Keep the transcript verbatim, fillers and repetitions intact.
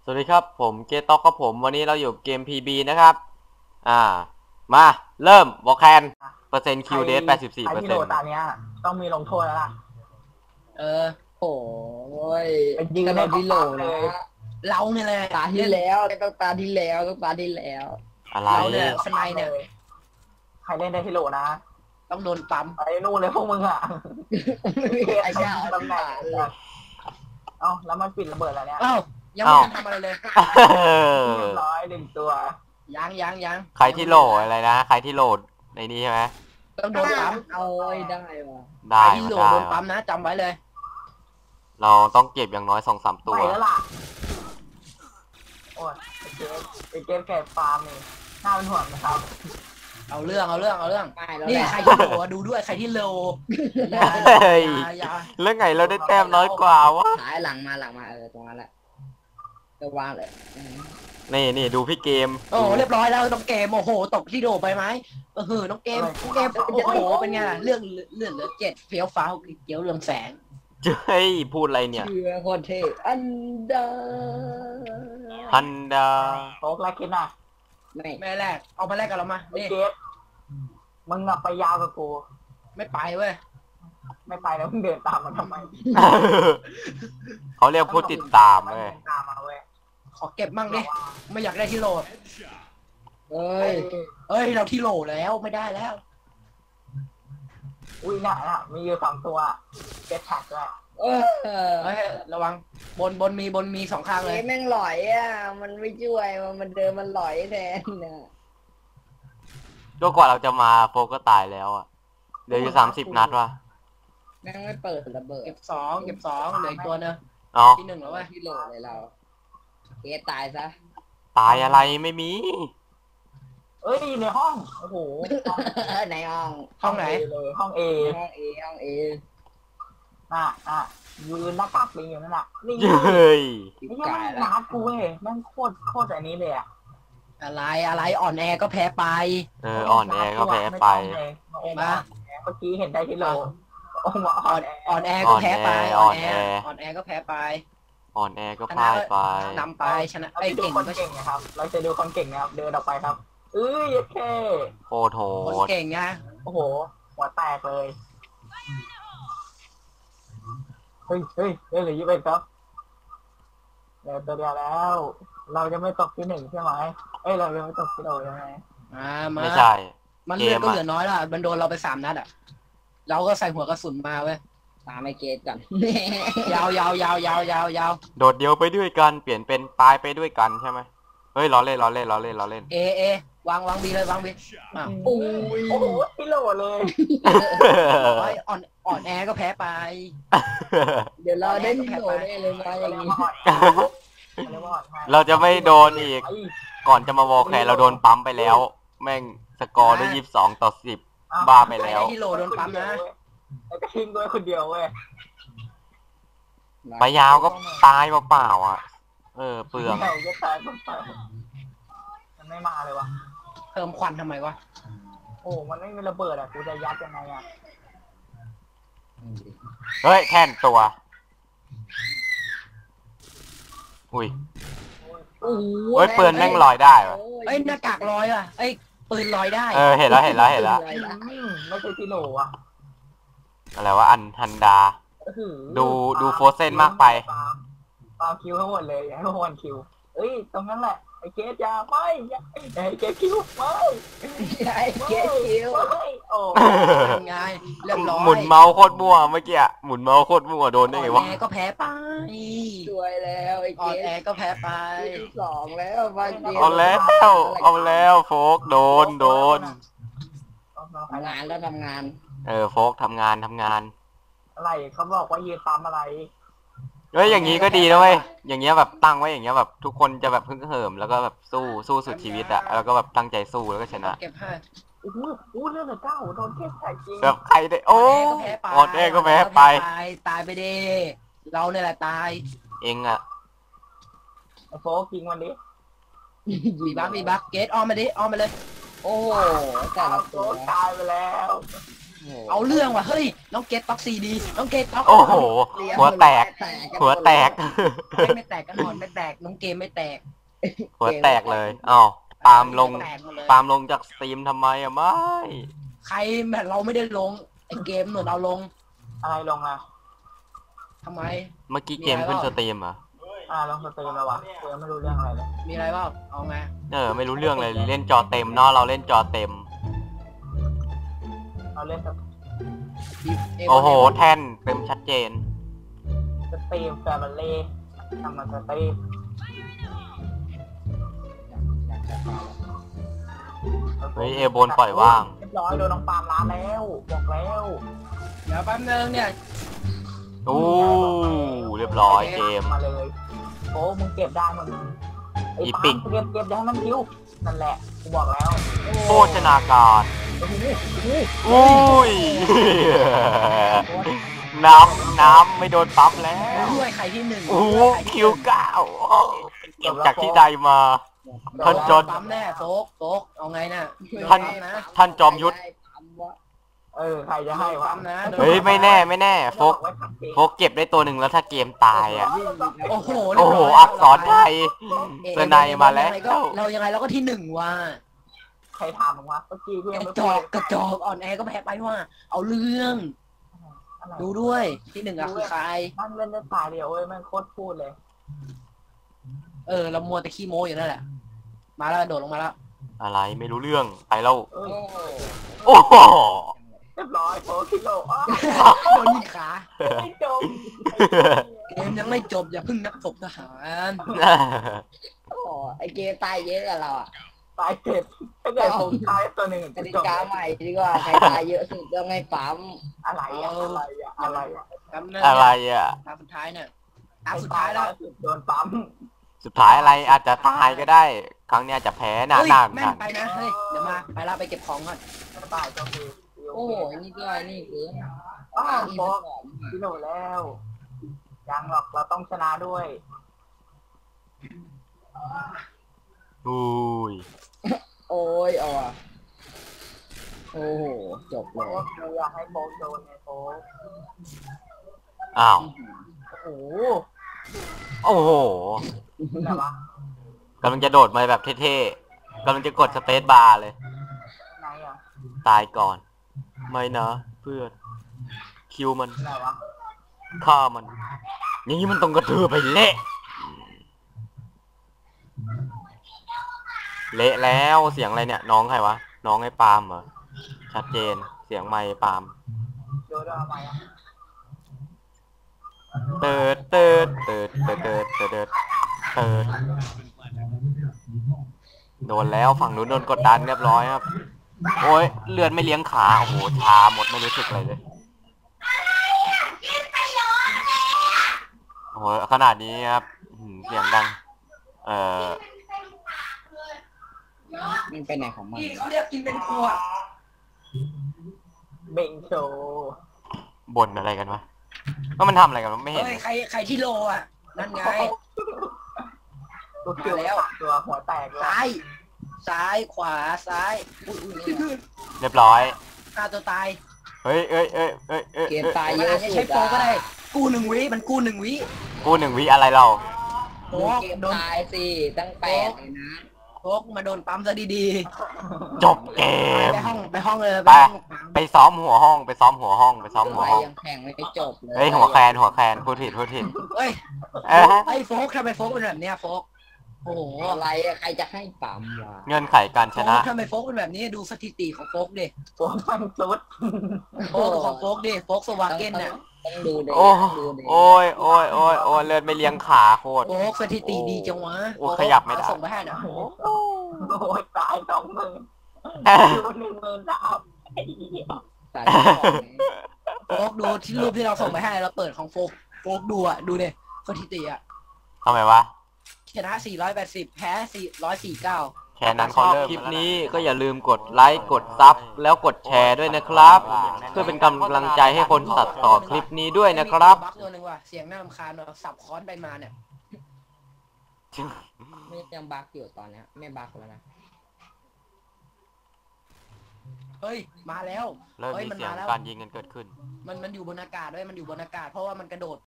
สวัสดีครับผมเกตต็อกกับผมวันนี้เราอยู่เกม พี บี นะครับอ่ามาเริ่มวอลแคนเปอร์เซ็นต์คิวเดสแปดสิบสี่ใครเปอร์ที่เซ็นต์โดนตาเนี้ยต้องมีลงโทษแล้วล่ะเออโอ้ยเป็นยืนก็ให้เราที่โหลเขาปั๊มเลยนะเราเนี่ยแหละตาที่แล้วต้องตาที่แล้วต้องตาที่แล้วอะไรเราเนี่ยสไนเนี่ยใครเล่นได้ที่โหลนะต้องโดนปั๊มไปนู่นเลยพวกมึงอ่ะไม่มีใครกล้าเอาตำแหน่งเอ้าแล้วมันปิดระเบิดแล้วเนี่ยเอ้ายังไม่ทันทำอะไรเลยเรียบร้อยหนึ่งตัวยังยังยังใครที่โหลดอะไรนะใครที่โหลดในนี้ใช่ไหมต้องโดนปั๊มเอาไว้ได้ว่ะใคได้รที่มาโหลได้โดนมาปั๊มนะจำไว้เลยเราต้องเก็บอย่างน้อยสองสามตัวไปแล้วล่ะโอ้ยไอเกมไอเกมแก่ฟาร์มนี่น่าเป็นห่วงนะครับเอาเรื่องเอาเรื่องเอาเรื่องไม่แล้วนี่แหละใครที่โหลอะดูด้วยใครที่โหลอย่าเฮ้ยอย่าอย่าแล้วไงเราได้แต้มน้อยกว่าวะหายหลังมาหลังมาเออตรงนั้นแหละจะวางเลยนี่นี่ดูพี่เกมโอ้เรียบร้อยแล้วน้องเกมโอ้โหตกที่โดไปไหมเออน้องเกมน้องเกมโอ้โหเป็นไงล่ะเรื่องเลื่อนเหลือเจ็ดเฟี้ยวฟ้าวเกี่ยวเรื่องแสงเฮ้ยพูดอะไรเนี่ยเชื่อโคตรเท่อันดาฮันดาโต๊ะแรกคิดนะไม่แม่แรกเอามาแรกกับเรามาไอนี่เกมมึงอะไปยาวกับกูไม่ไปเว้ยไม่ไปแล้วมึงเดินตามมาทำไมเขาเรียกผู้ติดตามเลยตามมาเว้ยขอเก็บมั่งดิไม่อยากได้ที่โหลเอ้ยเอ้ยเราที่โหลแล้วไม่ได้แล้วอุ้ยน่ะน่ะมีอยู่สองตัวเก็ตแท็กด้วยเออเฮ้ยระวังบนบนมีบนมีสองข้างเลยเอ้แม่งหลอยอ่ะมันไม่ช่วยมันมันเดินมันหลอยแทนน่ะก็กว่าเราจะมาโฟก็ตายแล้วอ่ะเหลืออยู่สามสิบนัดวะแม่งไม่เปิดระเบิดเก็บสองเก็บสองเหลืออีกตัวนึงเนาะที่หนึ่งแล้วเว้ยที่โหลเลยเราเกตายซะตายอะไรไม่มีเอ้ยในห้องโอ้โหในห้องห้องไหน A เลยห้องเอห้องเอห้องเอน่ะน่ะยืนหน้ากากลิงอยู่นั่นน่ะนี่เฮ้ยนี่ยังไม่นัดกูเว้ยแม่งโคตรโคตรอันนี้เลยอ่ะอะไรอะไรอ่อนแอก็แพ้ไปเอออ่อนแอก็แพ้ไปมาเมื่อกี้เห็นได้ที่โลโอ้โหอ่อ่ออน นแออ่อนแอก็แพ้ไปอ่อ่ออน นแอแออ่อนแอก็แพ้ไปอ่อนแอก็ชพ่านะยไปนำไปชนะเราไอ้จะดูเก่งคนก็เก่งนะครับ เราจะดูคนเก่งนะครับ เดินออกไปครับเอ้ยแค่โคตรโหคนดเก่งไงโอ้โห หัวแตกเลย เฮ้ยเฮ้ยเฮ้ยเหลือยี่สิบเอ็ดครับเดี๋ยวตัวเดียวแล้ว เราจะไม่ตกที่หนึ่งใช่ไหมเอ้ย เราจะไม่ตกที่โดใช่ไหมอ่ามาไม่ใช่มันเลือดก็เกมอะเหลือน้อยละมันโดนเราไปสามนัดอ่ะเราก็ใส่หัวกระสุนมาเว้ยตามไอเกตก่อนยาวยาวยาวยาวยาวยาวโดดเดียวไปด้วยกันเปลี่ยนเป็นตายไปด้วยกันใช่ไหมเฮ้ยล้อเล่นล้อเล่นล้อเล่นล้อเล่นเอเอวางวางบีเลยวางบีอ่ะโอ้ยโอ้โหที่โหลเลยโอ้ยอ่อนอ่อนแอก็แพ้ไปเดี๋ยวเราได้ที่โหลได้เลยมาอย่างนี้เราจะไม่โดนอีก ก่อนจะมาวอลแคร์เราโดนปั๊มไปแล้ว แม่งสกอร์ได้ยี่สิบสองต่อสิบ บ้าไปแล้วที่โหลโดนปั๊มนะแล้วก็ทิ้งด้วยคนเดียวเว้ยไปยาวก็ตายเปล่าๆอ่ะ เออเปลืองใช่ก็ตายก็ตายมันไม่มาเลยวะเพิ่มควันทำไมวะโอ้ มันไม่มีระเบิดอ่ะ กูจะยัดยังไงอ่ะเฮ้ยแท่นตัว อุ้ยโอ้โหเฮ้ยปืนแม่งลอยได้วะเอ้ยหน้ากากลอยอ่ะเอ้ยปืนลอยได้เออเห็นแล้วเห็นแล้วเห็นแล้วอืมไม่ใช่ที่โหลอ่ะอะไรวะอันฮันดา ดูดูโฟเซนมากไปปาคิวทั้งหมดเลยอย่าให้พวกมันคิว เอ้ย ตรงนั้นแหละ ไอ้เกสยาไม่อย่าไอ้เกสคิวไม่ไอเกตคิวไม่โอ้ไงเรียบร้อยหมุนเมาส์โคตรมั่วเมื่อกี้อะหมุนเมาส์โคตรมั่วโดนได้ไงอ่วะอนแอก็แพ้ไปสวยแล้วไออ่เกอนแอตก็แพ้ไปที่สองแล้วมาเกตเอาแล้วเอาแล้วโฟกโดนโดนทำงานแล้วทำงานเออโฟกทำงานทำงานอะไรเขาบอกว่ายืนปั๊มอะไรเฮ้ยอย่างนี้ก็ดีนะเว้ยอย่างเงี้ยแบบตั้งไว้อย่างเงี้ยแบบทุกคนจะแบบพึ่งเหิมแล้วก็แบบสู้สู้สุดชีวิตอะแล้วก็แบบตั้งใจสู้แล้วก็ชนะเก็บให้โอ้โหโอ้เรื่องเหลือเก้าโดนเทพใส่จริงแบบใครได้โอ้อ่อนแอก็แพ้ไปออดแอก็แพ้ไปตายตายไปดิเราเนี่ยแหละตายเองอะไอ้โฟกยิงมันดิมีบักมีบักเกตออมมาดิออมมาเลยโอ้โหแต่ละโฟตัวกตายไปแล้วเอาเรื่องว่ะเฮ้ยน้องเกตต็อกซีดีน้องเกตต็อกโอ้โห หัวแตก หัวแตกไม่ไม่แตกกันนอนไม่แตกน้องเกมไม่แตกหัวแตกเลยอ้าวปาล์มลงแตกหมดเลยปาล์มลงจากสตรีมทำไมอะไม่ใครแบบเราไม่ได้ลงไอเกมหนุนเอาลงอะไรลงอ่ะทำไมเมื่อกี้เกมขึ้นสตรีมเหรออ่าลงสตรีมแล้ววะกูยังไม่รู้เรื่องอะไรเลยมีอะไรบ้างเอาไงเออ ไม่รู้เรื่องเลย เล่นจอเต็มเนาะ เราเล่นจอเต็มเราเล่นสโอ้โห แท่นเต็มชัดเจนสตรีมแฟมิลี่ทำมาสตรีมเฮ้ยเอบนปล่อยว่างเรียบร้อยโดนน้องปาล์มล้านแล้วบอกแล้วเดี๋ยวแป๊บนึงเนี่ยอู้เรียบร้อยเกมมาเลยโอ้มึงเก็บได้มึงไอ้อีปาปิล์กมเก็บเก็บได้มันคิวนั่นแหละกูบอกแล้วโภชนาการโอ้โหโอ้โหอุ้ย น้ำน้ำไม่โดนปั๊มแล้วด้วยใครที่หนึ่งโอ้โหคิวเก้าเก็บจากที่ใดมา ท่านจอห์นปั๊มแน่โฟกโฟกเอาไงน่ะท่านปั๊มนะท่านจอมยุทธเออใครจะให้วะปั๊มนะเฮ้ยไม่แน่ไม่แน่โฟกไว้ขัดเองโฟกเก็บได้ตัวหนึ่งแล้วถ้าเกมตายอ่ะโอ้โหโอ้โห อักษรไทย เสนายมาแล้วเรายังไงเราก็ที่หนึ่งว่ะใครถามมึงวะเมื่อกี้กูกยังระไม่จพูอดกกระจอกอ่อนแอก็แพ้ไปว่า เอาเรื่องอะไรดูด้วยที่หนึ่งอะคือใครนั่งเล่นได้ตายเดียวเว้ยแม่งโคตรพูดเลยเออเรามัวแต่ขี้โม้อยู่นั่นแหละ มาแล้วโดดลงมาแล้วอะไรไม่รู้เรื่องไปแล้วเอ้ยโอ้โหเรียบร้อยโฟกิโลอ้าวโดนยิงขาไม่จบเกมยังไม่จบอย่าเพิ่งนับศพทหารโอ้ไอเกมตายเยอะกับเราอ่ะตายเจ็บถ้าเกิดผมตายตัวหนึ่งกติกาใหม่ดีกว่าใครตายเยอะสุดต้องให้ปั๊มอะไรอะอะไรอะอะไรอะปั๊มนั่นอะไรอ่ะตาสุดท้ายเนี่ยตาสุดท้ายแล้วโดนปั๊มสุดท้ายอะไรอาจจะตายก็ได้ ครั้งเนี้ยอาจจะแพ้หน้าเฮ้ยหน้าแม่หนนักไปนะเฮ้ยเดี๋ยวมาไปแล้วไปเก็บของก่อนตายก็คือโอ้โหนี่ก็นี่คืออ้าวโฟบอกกิโลแล้วยังหรอกเราต้องชนะด้วยอุ้ยโอ้ยเอาอ่ะโอ้โหจบโฟเลยกเราอยากให้โฟกโดนไงโฟกอ้าวโอ้โหโอ้โหอะไรวะกำลังจะโดดมาแบบเท่ๆกำลังจะกดสเปซบาร์เลยไงอะตายก่อน ไม่นะเพื่อนคิวมันอะไรวะฆ่ามัน อย่างนี้มันต้องกระเทือไปเละ เละแล้วเสียงอะไรเนี่ย น้องใครวะ น้องไอ้ปาล์มเหรอ ชัดเจนเสียงไมค์ปาล์มโดนเอาไปอะเติร์ดเติร์ดเติร์ดเติร์ดเติร์ดเติร์ดเติร์ดเติร์ดโดนแล้วฝั่งนู้นโดนกดดันเรียบร้อยครับ โอ้ยเลือดไม่เลี้ยงขา โอ้โหชาหมดไม่รู้สึกอะไรเลย โอ้โหขนาดนี้ครับอื้อหือเสียงดัง เอ่อมันไปไหนของมันนี่เขาเรียกกินเป็นขวดเบ่งโชว์บ่นอะไรกันวะว่ามันทำอะไรกันวะไม่เห็นเฮ้ยใครใครที่โลอ่ะนั่นไงตัวเกี่ยวมาแล้วตัวหัวแตกเลยซ้าย ซ้ายขวาซ้ายอุ้ยอุ้ยนี่เรียบร้อยฆ่าตัวตายเฮ้ยเอ้ยเอ้ยเอ้ยเอ้ยเกมเอ้ยตายมัเยนอะอาจจะสุใช้ดโปรอ่ะก็ได้ กู้หนึ่งวิมันกู้หนึ่งวิกูหนึ่งวิอะไรเราโฟดูกเกมโดนตายสิตั้งแปดเลยนะโฟกมาโดนปั๊มซะดีจบเกๆมไปห้องไปห้องเลยไปไปห้องปั๊มไปซ้อมหัวห้องไปซ้อมหัวห้องไปซ้อมหัวอะไรห้องยังแข่งไม่จบเลยเฮ้ยหัวแคนหัวแคนพูดผิดพูดผิดเฮ้ยเอ้ยไอ้โฟกทำไมโฟกเป็นแบบเนี้ยโฟกโอ้โหอะไรอะใครจะให้ปั๊มวะเงื่อนไขการโฟชนะกทำไมโฟกเป็นแบบนี้ดูสถิติของโฟกดิโฟกมันสุดโฟกของโฟกดิโฟกสวาเก้นเนี่ยต้องดูเด็โอ้ต้องดูเด็โอ้ยโอ้ยโอ้ยโอ้ยเลือดไม่เลี้ยงขาโคตรโฟกสถิติดีจังวะโอ้ขยับไม่ได้ส่งไปให้นะโอ้โหโอ้ยตายสองหมื่นอยู่หนึ่งหมื่นสามไอ้เหี้ยใส่ของนี้โฟกดูที่รูปที่เราส่งไปให้เราเปิดของโฟกโฟกดูอะดูดิสถิติอะทำไมวะชนะสี่ร้อยแปดสิบแพ้สี่ร้อยสี่สิบเก้าแค่นั้นชอบคลิปนี้ก็อย่าลืมกดไลค์กดซับแล้วกดแชร์ด้วยนะครับ เพื่อเป็นกำลังใจให้คนตัดต่อคลิปนี้ด้วยนะครับบักตัวหนึ่งว่ะเสียงน่ารำคาญเนอะสับค้อนไปมาเนี่ยไม่ยังบักอยู่ตอนเนี้ยไม่บักแล้วนะเฮ้ยมาแล้วเริ่มเฮ้ยมีมันเสียงมาแล้วการยิงกันเกิดขึ้นมันมันอยู่บนอากาศด้วยมันอยู่บนอากาศเพราะว่ามันกระโดด